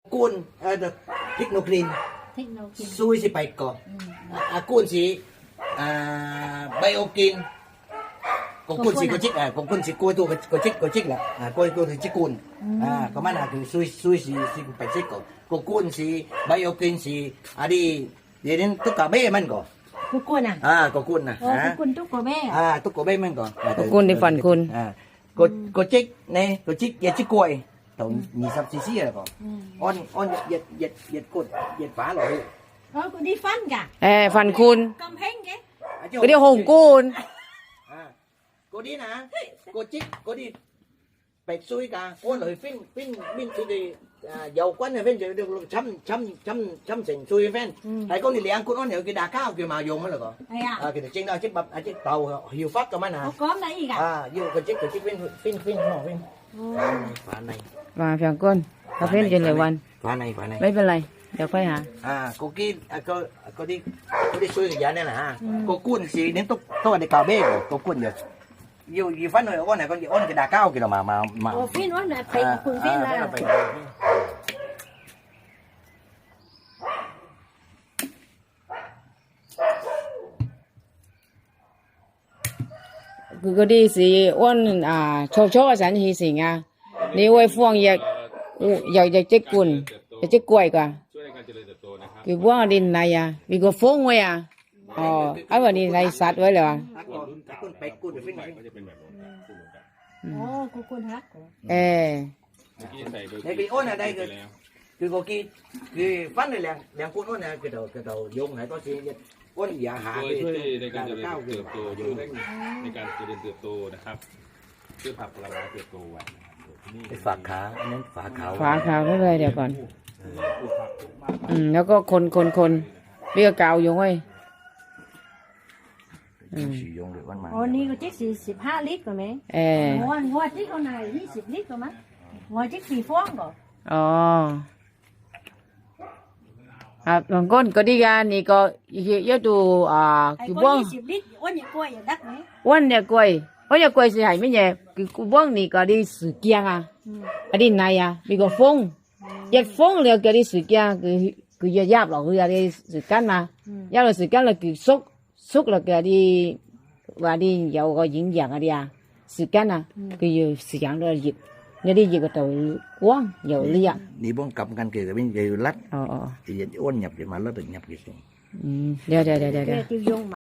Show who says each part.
Speaker 1: Cuốn được technoclean xui si bạch cỏ cuốn si biokin cuốn si có chích cuốn si cuốn tu có chích là cuốn tu chích cuốn có mà là xui si bạch chích cuốn si biokin si đi đến tất cả bé mình có
Speaker 2: cuốn
Speaker 1: có cuốn
Speaker 2: cuốn túc của bé
Speaker 1: túc của bé mình có
Speaker 3: cuốn đi phần cuốn
Speaker 1: có chích này có chích giờ chích quay tàu nhị sắp xí xí rồi còn on giật cột giật phá rồi
Speaker 2: có đi phân cả
Speaker 3: phần cuốn
Speaker 2: cầm hết cái
Speaker 3: cái điều hồng cuốn
Speaker 1: cô đi nè cô chích cô đi bạch xuôi cả cô lời pin thì dầu quán này phin được chăm chỉnh xuôi phin hay con đi liền cô nó nhiều cái đà cao kiểu mà dùng mới được còn cái trên đó chiếc bắp chiếc tàu hiệu phát cơ mà nè
Speaker 2: có lấy gì cả
Speaker 1: vô cái chiếc phin phá này
Speaker 3: và phần cuốn cà phê trên lờiวัน
Speaker 1: phá này
Speaker 3: ไม่เป็นไรเดี๋ยวค่อยหา
Speaker 1: cô kia cô đi xuôi cái giá này nè cô cuốn gì đến tôi để cào bê rồi cô cuốn được nhiều gì phát rồi con này con cái đà cao kìa mà
Speaker 2: phim nó là phải cuốn phim là
Speaker 3: คือก็ดีสิอ้วนชอบฉันทีสิงนี่ไว้ฟ่วงอยากจะกุนจะกล้วยกว่า
Speaker 4: ช่วยในการเจริญเติบโตนะครับ
Speaker 3: คือว่าดินไหนมีก็ฟ่วงไว้อ๋อไอ้วันนี้ในสัตว์ไว้เลย
Speaker 1: cuốn bạch cuốn được
Speaker 4: รุ่
Speaker 1: phin
Speaker 4: นใหม่ก็จะเป็นแบบนี้เหมือนกัน
Speaker 2: cuốn hát
Speaker 3: เออ
Speaker 4: เมื่อกี้ใส่เบอร์
Speaker 1: đây cái ôn ở đây
Speaker 4: ไป
Speaker 1: คือ
Speaker 4: แล้ว
Speaker 1: คือcô kiaคือฟันเลยแรงcuốn ôn này cái đầu dùng này có gì ôn giả hạ
Speaker 4: โดยช่วยในการเจริญเติบโตอยู่ในการเจริญเติบโตนะครับช่วยผักผลไม้เติบโตไว้นะครับนี่
Speaker 1: cái phạc khá nên phạc khảo
Speaker 3: ฝาขาวไว้เลยเดี๋ยวก่อนแล้วก็คนเรียกกาวอยู่ไว้
Speaker 1: sử dụng được con mà
Speaker 2: นี่ก็chiếc 15 lít rồi mấy งวดchiếc con này 20 lít rồi mấy ngồi chiếc 4 phong rồi
Speaker 3: อ๋อครับบางคนก็ดีกันนี่ก็เยอะดูคือบ้อง
Speaker 2: 20 lít ôn những quay ở đất mấy
Speaker 3: อ้วนเนี่ยกล้วยเพราะเนี่ยกล้วยสิหายไม่แย่คือกูบ้องนี่ก็ดีสื่อเกียงอันนี้นายมีก็ฟงยัดฟงเลยก็ดีสื่อเกียงคือยับหรอกคือดีสื่อกันนะยับเราสื่อกันเราคือซุกเราก็ดีว่าดี有個營養啊啲時間啊佢要時間都熱你啲熱個頭光又呢啊
Speaker 1: đi bông cầm căn kìa bên giờ lách
Speaker 3: อ๋อ
Speaker 1: thì ôn nhập thì mà nó được nhập gì
Speaker 3: เดี๋ยว
Speaker 2: tiêu dùng